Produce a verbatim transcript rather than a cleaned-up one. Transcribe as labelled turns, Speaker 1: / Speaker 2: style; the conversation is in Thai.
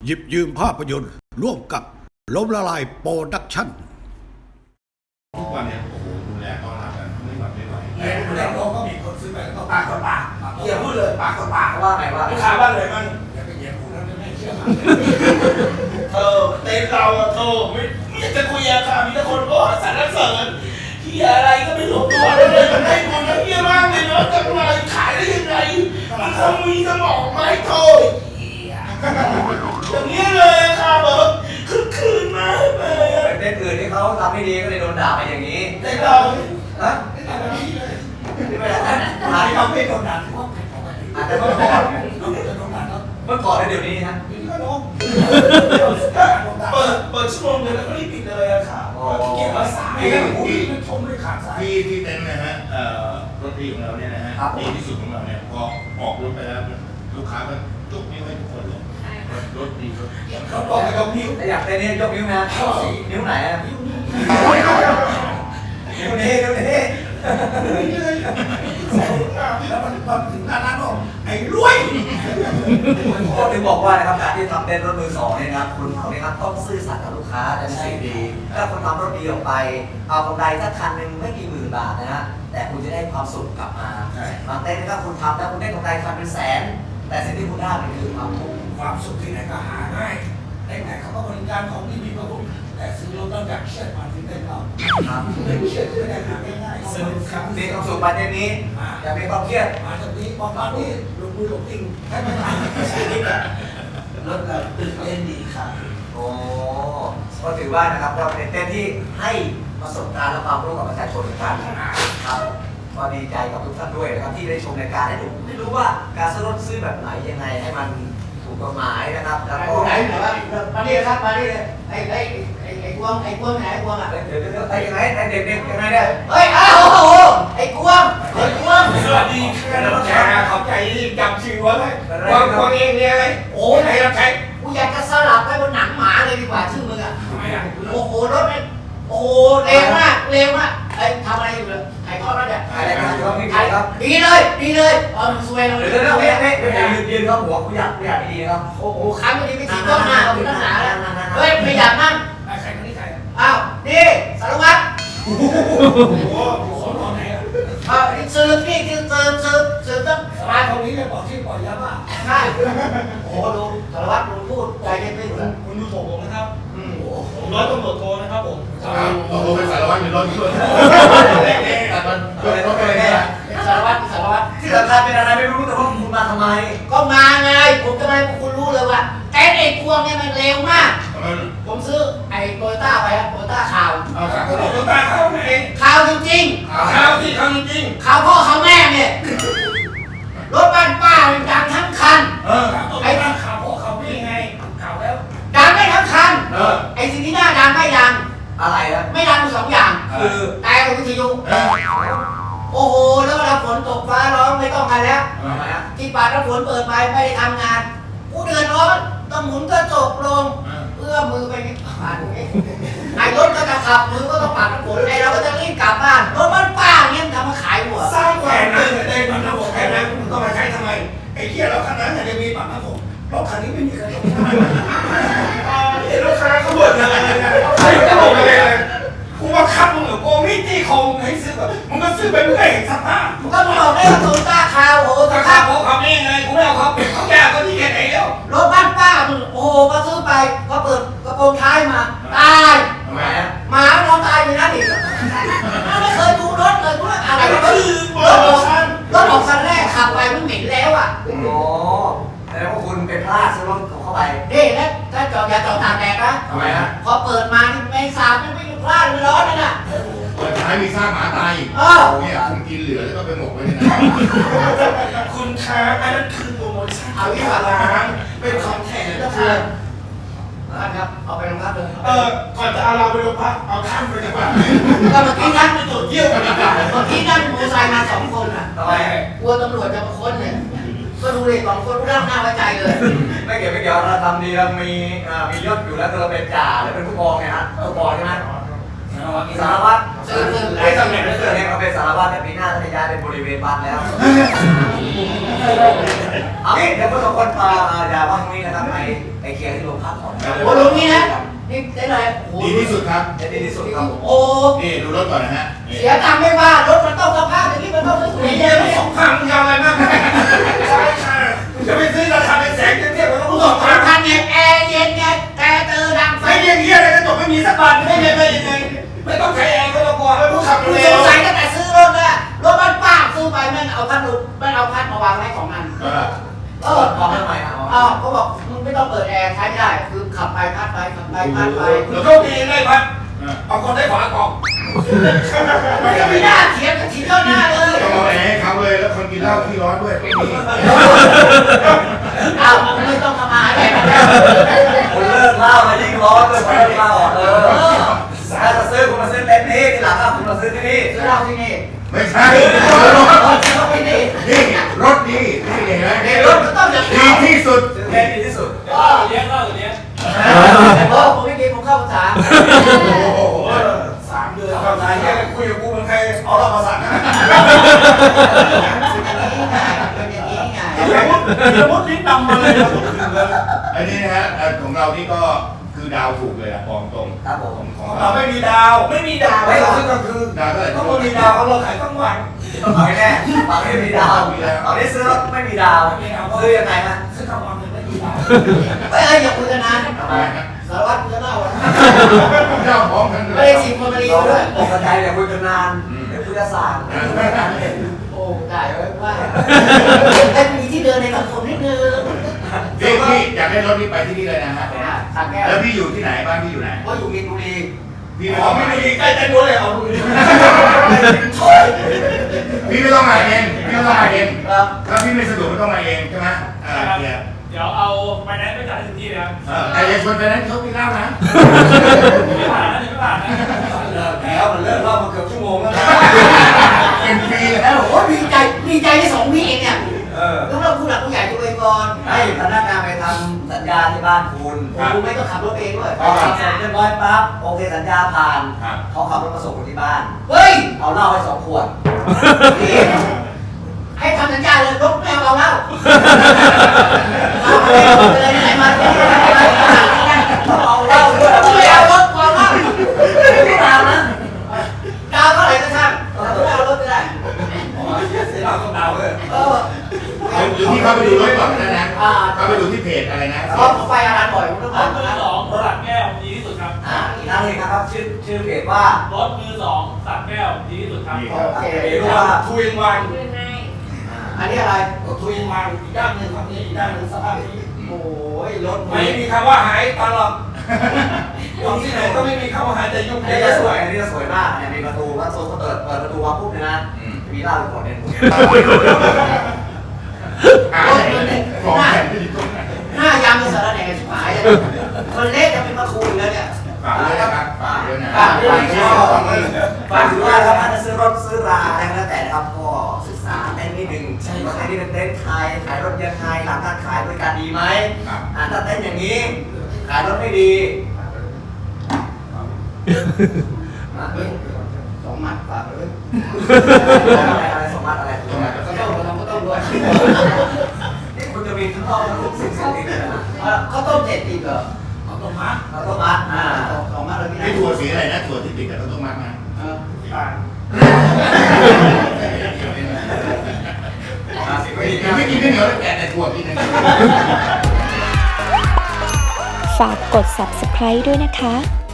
Speaker 1: หยิบยืมภาพยนตร์ร่วมกับล้มละลายโปรดักชั่น
Speaker 2: ทุกวันเนี่ยโอ้โหดูแลต้อนรับกันไม่หวัดไม่ไหว
Speaker 3: เฮียดูแลโลกก็มีคนซื้อไปก็ปากต่อปาก
Speaker 4: เฮียพูดเลยปากต่อปากว่าไงว่า
Speaker 3: ลูกค้าบ้านเลยมันอย่าไปเฮียพูดแล้วไม่เชื่อเธอเต้นเราเธอไม่ไม่อยากจะคุยอะค่ะมีแต่คนก็สรรเสริญเฮียอะไรก็ไม่รู้ตัวเลยมันได้บุญเฮียมากเลยเนาะจะมาขายได้ยังไงมันคงมีสมองไหมโธ่อย่างนี้เลยค่ะแบบคึกคืนมากเลย
Speaker 4: เต้นอื่นที่เขาทำไม่ดีก็เลยโดนด่าไปอย่างนี้
Speaker 3: เต้นเรา
Speaker 4: ฮะ
Speaker 3: ไม่ได้อาจจะไม่โดนด่า
Speaker 4: อาจจะเมื่อก่อนเมื่อก่อนแล้วเดี๋ยวนี้ฮะ
Speaker 3: เปิดเปิดชั่วโมงเดียวแล้วก็รีบปิดเลยอะค่ะเก็บรักษาที่ที่ชมด้วยขาดสาย
Speaker 2: ที่ที่เต็นท์นะฮะรถดีของเราเนี่ยนะฮะดีที่สุดของเราเนี่ยพอออกรถไปแล้วลูกค้ามันยกนิ้วให้ทุกคนเลยรถดีรถ
Speaker 3: เขาบอกให้ยกนิ้ว
Speaker 4: อยากเต้นนี่ยกนิ้วนะนิ้วไหนอะนิ้วนี้นิ้วนี้นิ้วนี้
Speaker 3: แล้วมันตอนถึงหน้าร้านบอกไอ้รวย
Speaker 4: ก็ถึงบอกว่านะครับการที่ทำเต้นรถมือสองเนี่ยนะครับคุณเขาเนี่ยครับต้องซื่อสัตย์กับลูกค้าจะเป็นสิ่งดีถ้าคุณทำรถดีออกไปเอากำไรสักคันหนึ่งไม่กี่หมื่นบาทนะฮะแต่คุณจะได้ความสุขกลับมาบางเต้นนะครับคุณทำแล้วคุณได้กำไรคันเป็นแสนแต่สิ่งที่คุณได้มันคือความทุกข์
Speaker 3: ความสุขที่ไหนก็หาง่ายได้ไหนเขาก็บริการของที่มีประคุณแต่ซื้อรถต้องอยากเชื่อมาถึงได้เรา
Speaker 4: ครับ
Speaker 3: ไม่เชื่อไม่ได้หาง่ายๆซื้อครับ
Speaker 4: มีความสุขประเด็นนี้อย่ามีความเครียด
Speaker 3: มาจากนี้บอกตอนนี้ลงมือลงจริงให้ไม่ผ่านรถเราตื่นเต้นดีค่ะ
Speaker 4: โอ้ก็ถือว่านะครับเราเป็นเต้นที่ให้ประสบการณ์และความรู้กับประชาชนกันครับก็ดีใจกับทุกท่านด้วยนะครับที่ได้ชมรายการให้ดูได้รู้ว่าการซื้อรถซื้อแบบไหนยังไงให้มันถูกกฎหมายนะครับแล้วก็
Speaker 3: ไหนไหนว่ามาดิครับมาดิไอ้ไอ้ไอ้ไอ้กวงไอ้กวงไหนไอ้กวงอ่ะ
Speaker 4: เดี๋ยวเดี๋ยวไอ้ยังไงไอ้เด็กเด็กยังไงเนี่ย
Speaker 3: เฮ้ยอ้าวโอ้โหไอ้กวงไอ้กวงสวัสดีค่ะน้องแขกขอบใจที่จำชื่อไว้เลยกวงกวงเองเนี่ยอะไรโอ้ไหนน้องแขกกูอยากจะสลับไปบนหนังหมาเลยดีกว่าชื่อมึงอ่ะทำไมอ่ะโอ้โหรถเนี่ยโอ้โหเร็วมากเร็วมากไอ้ทำอะไรอยู่เลยไอ้ทอดแล้วเนี่ย
Speaker 4: ไอ้อะไรครับไอ้ครับ
Speaker 3: ดีเลยดีเลยเออมึงซวยเรา
Speaker 4: เลยเดี๋ยวเดี๋ยวเดี๋ยวเดี๋ยวยืนยืนครับหัวกูอยากกูอยากดีนะครับ
Speaker 3: โอ้โหครั้งนี้ไม่ถีบต้นหน้าเอาต้นหนาแล้วเฮ้ยไม่อยากนั่งใครคนนี้ใครอ้าวนี่สารวัตรโอ้โหสอนตอนไหนอ่ะอ่าสืบนี่คือสืบสืบสืบต้องสารวัตรคนนี้เนี่ยบอกที่ปล่อยยาบ้าใช่โอ้โหดูสารวัตรดูพูดใจเย็นไม่ถึงคุณดูถูกผมนะครับผมร้อยตำรวจโทนะครับผม
Speaker 2: เราโทรไปสารวัตรเป็นร้อยด้วย
Speaker 4: แต่มันอะไรก็ไม่ได้
Speaker 3: สารวัตรสารวัตร
Speaker 4: ที่สำคัญเป็นอะไรไม่รู้แต่ว่าคุณมาทำไม
Speaker 3: ก็มาไงผมทำไมคุณรู้เลยว่าไอ้ไอ้พวงเนี่ยมันเร็วมากผมซื้อไอ้โตโยต้าไปครับโตโยต้าข่าว
Speaker 2: เอาข่าวโตโยต้าข่าวไหน
Speaker 3: ข่าวจริง
Speaker 2: ๆข่าวที่ข่าวจริง
Speaker 3: ข่าวพ่อข่าวแม่เนี่ยรถบ้านป้ามันดังทั้งคันไอ้ข่าวพ่อข่าวแม่ไงข่าวแล้วดังไม่ทั้งคันไอ้สิ่งที่น่าดังไม่ดัง
Speaker 4: อะไรอะ
Speaker 3: ไม่ดังสองอย่าง
Speaker 4: คือ
Speaker 3: แต่วิทยุโอ้โหแล้วเวลาฝนตกฟ้าร้องไม่ต้องกันแล้วที่ป่าถ้าฝนเปิดไปไม่ได้ทำงานกูเดือดร้อนต้องหมุนกระจกลงเอื้อมือไปนี่ผ่านนี้ไอ้รถก็จะขับมือก็ต้องปัดน้ำฝนไอ้เราก็จะรีบกลับบ้านรถบ้านป้าเนี่ยทำมาขายหัวสร้างความเดือดเต้นมันระบบแค่นั้นมึงต้องมาใช้ทำไมไอ้เหี้ยแล้วคันนั้นเนี่ยมีปัดน้ำฝนรถคันนี้ไม่มีกระจกเห็นลูกค้าเขาบ่นอะไรเนี่ยใครจะบ่นอะไรเลยกูว่าคับมึงเหรอกูไม่ตีคงให้ซื้อแบบมึงก็ซื้อไปมึงก็เห็นสภาพก็มึงบอกได้ว่าโตโยต้าคาวโอ้สภาพเขาขับนี่ไงกูไม่เอาเขาเขาแก่เขาที่แค่ไหนแล้วรถบ้านป้ามึงโอ้โหก็ซื้อไปก็เปิดกระโปรงท้ายมาตาย
Speaker 4: ทำไมอะ
Speaker 3: หมานอนตายอยู่นั่นอีกไม่เคยดูรถเลยกูว่าอะไรก็คือรถออกรถออกคันแรกขับไปมันเหม็นแล้วอ่ะ
Speaker 4: โอ้แล้วว่าคุณเป็นพลาดซื้อรถเข้าไป
Speaker 3: นี่แล้วถ้าจอดอย่าจอดตากแดดนะ
Speaker 4: ทำไมฮะ
Speaker 3: พอเปิดมานี่ไม่สาบไม่ไม่พลาดไม่ร้อนเลยน่ะ
Speaker 2: เปิดท้ายมีซากหมาตาย
Speaker 3: เออ
Speaker 2: เนี่ยคุณกินเหลือแล้วก็ไปหมกไว้ในนั้นคุณค้าอันนั้นคือโปรโมชั่น
Speaker 3: เอาที่ว่าล้างเป็นคอนแทคก็คือนะครับเอาไปโรงพักเลย
Speaker 2: เออก่อนจะเอาเราไปโรงพักเอาท่านไปดีกว่า
Speaker 3: ก็เมื่อกี้นั่งไปตรวจเยี่ยวกันดีกว่าเมื่อกี้นั่งมอเตอร์ไซค์มาสองคนอ่ะ
Speaker 4: ทำไม
Speaker 3: กลัวตำรวจจะมาค้นเนี่ยก็ดูเลยสองคนรู้ร่างหน้าไว้ใจเลย
Speaker 4: ไม่เกี่ยวไม่เกี่ยวเราทำดีเรามีมียศอยู่แล้วเราเป็นจ่าแล้วเป็นผู้กองไงฮะผู้กองใช่ไหมสารวัตร
Speaker 3: ซึ่งซึ่ง
Speaker 4: ไอ้ตำแหน่งนั้นเนี่ยเขาเป็นสารวัตรแต่ปีหน้าจะย้ายเป็นบริเวณบ้านแล้วเอางี้เดี๋ยวพวกเราคนมาอย่าว่าตรงนี้นะครับไปไปเคลียร์ที่โรงพักก่อน
Speaker 3: โอ้ลุงนี่นะนี่ได้เลยโอ้
Speaker 2: ดีที่สุดครับ
Speaker 4: จะดีที่สุดครับผม
Speaker 3: โอ้
Speaker 2: นี่ดูรถก่อนนะฮะ
Speaker 3: เสียตังค์ไม่ว่ารถมันต้องสภาพอย่างนี้มันต้องสวยๆ
Speaker 2: เยอะสองพันยาวอะไรมากจะไปซื้อราคาเป็นแสนเทียบกับรถ
Speaker 3: ส
Speaker 2: ส
Speaker 3: อ
Speaker 2: อง ง
Speaker 3: พั
Speaker 2: พั
Speaker 3: น
Speaker 2: น
Speaker 3: ไงแอร์เย็นไงแต่เตอดังไฟ
Speaker 2: ไอ้เรื่องเงี้ยอะไรกระจกไม่มีสักบาทไม่ได้เลยยังไงไม่ต้องใช้แอร์ก็ต้องกลัวไม่ต้องขับ
Speaker 3: คือ
Speaker 2: เร็
Speaker 3: ส
Speaker 2: ว
Speaker 3: งสัยตั้งแต่ซื้อรถแล้วรถมันป้าซื้อไปแม่งเอาพัดลมแม่งเอาพัดมาวางไว้ของมันเออ
Speaker 4: พร้อมทำไมครับ
Speaker 3: อ้าวเขาบอกมึงไม่ต้องเปิดแอร์ใช้ไม่ได้คือขับไปพัดไปขับไปพัดไป
Speaker 2: หรือโชคดีได้พัดเอาคนได้ฝากล่อง
Speaker 3: มันก็ไม่น่าเถียงกับทีเจ้าหน้าเลย
Speaker 2: ต้องเอาแอร์ให้เขาเลยแล้วคนกินเหล้าขี้ร้อนด้วยไม่มี
Speaker 3: อ้าวไม่ต้องทำอาหารแดกกันแล้ว
Speaker 4: คุณเลิกเล่ามายิ่งร้อนเลยคุณเลิกเล่าเออถ้าจะซื้อคุณมาซื้อเต็มที่ทีหลังคุณมาซื้อที่นี่
Speaker 3: ซื้อเหล้าที่นี่
Speaker 2: ไม่ใช่
Speaker 3: เออซื้อเหล้าที่นี่
Speaker 2: นี่รถดีนี่เห็นไหม
Speaker 3: เดี๋ยวรถมันต้องอย่าง
Speaker 2: ดีที่สุด
Speaker 4: ซื้อแค่ดีที่สุด
Speaker 3: เออ
Speaker 5: เลี้ยงเล่าเลี้ยง
Speaker 3: โอ้ผมไม่กินผมเข้าภาษา
Speaker 2: โอ้โหสามเดือนเข้าใจแค่คุยกับกูเหมือนใครเอาเรามาสั่งนะ
Speaker 3: เป็นอย่างนี้ไง
Speaker 2: เดี๋ยวมุดเดี๋ยวมุดลิ้นดำมาเลยอันนี้นะฮะของเรานี่ก็คือดาวถูกเลยอะบอกตรง
Speaker 4: ครับผม
Speaker 2: ของเราไม่มีดาวไม่มีดาวไม่ซื้อกลางคืนดาวเท่าไหร่ต้องมีดาวเราขายทั้งวัน
Speaker 4: เอาแน่ฝั่งนี้มีดาวฝั่งนี้ซื้อรถไม่มีดาวซื้อยังไงฮะ
Speaker 2: ซื้อกลางวันไม่มีดาว
Speaker 3: เฮ้ยอย่าคุยกันนานสารวัตรจะเล่าอ่ะ
Speaker 2: เจ้าของกัน
Speaker 3: ไม่ได้ฉีดฟอร์มาลีนด้วย
Speaker 4: ปกติเนี่ยคุยกันนานเดี๋ยวคุยกันสาง
Speaker 3: โอ้ได้ไว้ว่าแต่มีที่เดินในสังคมนิดนึง
Speaker 2: พี่พี่อยากได้รถนี้ไปที่นี่เลยนะฮะ
Speaker 3: สักแก้ว
Speaker 2: แล้วพี่อยู่ที่ไหนบ้านพี่อยู่ไหน
Speaker 3: ก็อยู่มินบุรี
Speaker 2: พี่ไม่ต้องมาเองใกล้ใจบัวเลยเอาดูดิพี่ไม่ต้องมาเองพี่ไม่ต้องมาเอง
Speaker 3: ครับ
Speaker 2: ถ้าพี่ไม่สะดวกไม่ต้องมาเองใช่ไหมอ่าเนี่ย
Speaker 5: เดี๋ยวเอาไปแนนซ์ไปจ่ายทันทีนะครับ
Speaker 2: เออแต่อย่าชวนไปนั้นเขาไม่เล่านะ
Speaker 5: ไม่ผ่านนะไม่ผ่านนะ
Speaker 2: แล้วมันเลิกเล่ามาเกือบชั่วโมงแล้วเป็นปีแล้ว
Speaker 3: โอ้ดีใจดีใจที่สองวิเองเนี่ย
Speaker 4: เออ
Speaker 3: ต้องเราผู้หลักผู้ใหญ่ดูไปก่อน
Speaker 4: ให้พนักงานไปทำสัญญาที่บ้านคุณ
Speaker 3: กูไม่ต้องขับรถเองด้วย
Speaker 4: พอทำเสร็จเรียบร้อยปั๊บโอเคสัญญาผ่านเขาขับรถมาส่งคุณที่บ้าน
Speaker 3: เฮ้ย
Speaker 4: เอาเหล้าให้สองขวด
Speaker 3: ให้ทำสัญญาเลยรถแมวเราเล่าเอาเลยไหนมาเอาเล่าด้วยไม่เอารถเอาเล่าไม่ตามนะดาวเท่าไหร่ก็ช่างไม่เอารถไม่ได้
Speaker 2: เสียเราต้องดาวเลย
Speaker 3: เออ
Speaker 2: หรือที่เข้าไปดูรถก่อนนะนะเข้าไปดูที่เพจอะไรนะ
Speaker 3: เพราะผมไปอาหารบ่อยผมต้อง
Speaker 5: ร
Speaker 3: ผ่า
Speaker 5: ถ
Speaker 3: น
Speaker 5: มือ
Speaker 3: นะ
Speaker 5: สองสักแก้วดีที่สุดครับ
Speaker 4: อ่าอีกนั่นเองนะครับชื่อชื่อเพจว่าร
Speaker 5: ถมือสองสักแก้วดีที่สุดครับ
Speaker 3: โอเค
Speaker 4: เพจว่า
Speaker 2: ทุยวัน
Speaker 3: อันนี้อะไร
Speaker 2: ทุยวันอีกด้านหนึ่งฝั่งนี้อีกด้านหนึ่งสภาพนี้
Speaker 3: โอ้ยรถ
Speaker 2: ไม่มีคำว่าหายตลอดอยู่ที่ไหนก็ไม่มีคำว่าหายแต่ยุ่ง
Speaker 4: อัน
Speaker 2: เย
Speaker 4: นี้
Speaker 2: อะ
Speaker 4: จะส
Speaker 2: ส
Speaker 4: ว
Speaker 2: วย ย
Speaker 4: อันนี้จะสวยมากเนี่ยมีประตูว่าโซนเขาเปิดเปิดประตูมาปุ๊บเนี่ยนะมีเหล้าอยู่ขวดนึง
Speaker 2: อ่าของแข็งที่ตรงไหน
Speaker 3: หน้ายามเป็นสารแหน่ชิบหายเลยมันเละจะเป็นมะคูแล้วเนี่ย
Speaker 2: ฝากด้วยนะครับฝากด้วยนะ
Speaker 3: ฝากด้วยนะครับ
Speaker 4: ฝากถือว่าครับถ้าจะซื้อรถซื้อราอะไรก็แล้วแต่นะครับก็ศึกษาเต้นนิดนึงรถเต้นนี่เป็นเต้นขายขายรถยังไงหลังการขายบริการดีไหมอ่าถ้าเต้นอย่างนี้ขายรถไม่ดี
Speaker 3: สองหมัดฝากเลย
Speaker 4: อะไรอะไรสมบัติอะไร
Speaker 2: ตรงไหน
Speaker 3: ก็ต้องเราก็ต้องด้วย
Speaker 4: นี่คุณจะมีทั้งรอบทั้งทุกสิ่งสิ่งนี้เลยนะ
Speaker 3: เขาต้มเสร็จติดเหรอ
Speaker 2: เอาตรงมา
Speaker 4: เราต้องมัดอ่า
Speaker 3: สองมัดเลยพี่
Speaker 2: ไอ้ถั่วสีอะไรนะถั่วที่ติดกับต้นไม้มา
Speaker 3: เออ
Speaker 2: อ่า ไม่กินข้าวเหนียวแล้วแกะแต่ถั่วกินนะ
Speaker 6: ฝากกด ซับสไครบ์ ด้วยนะคะ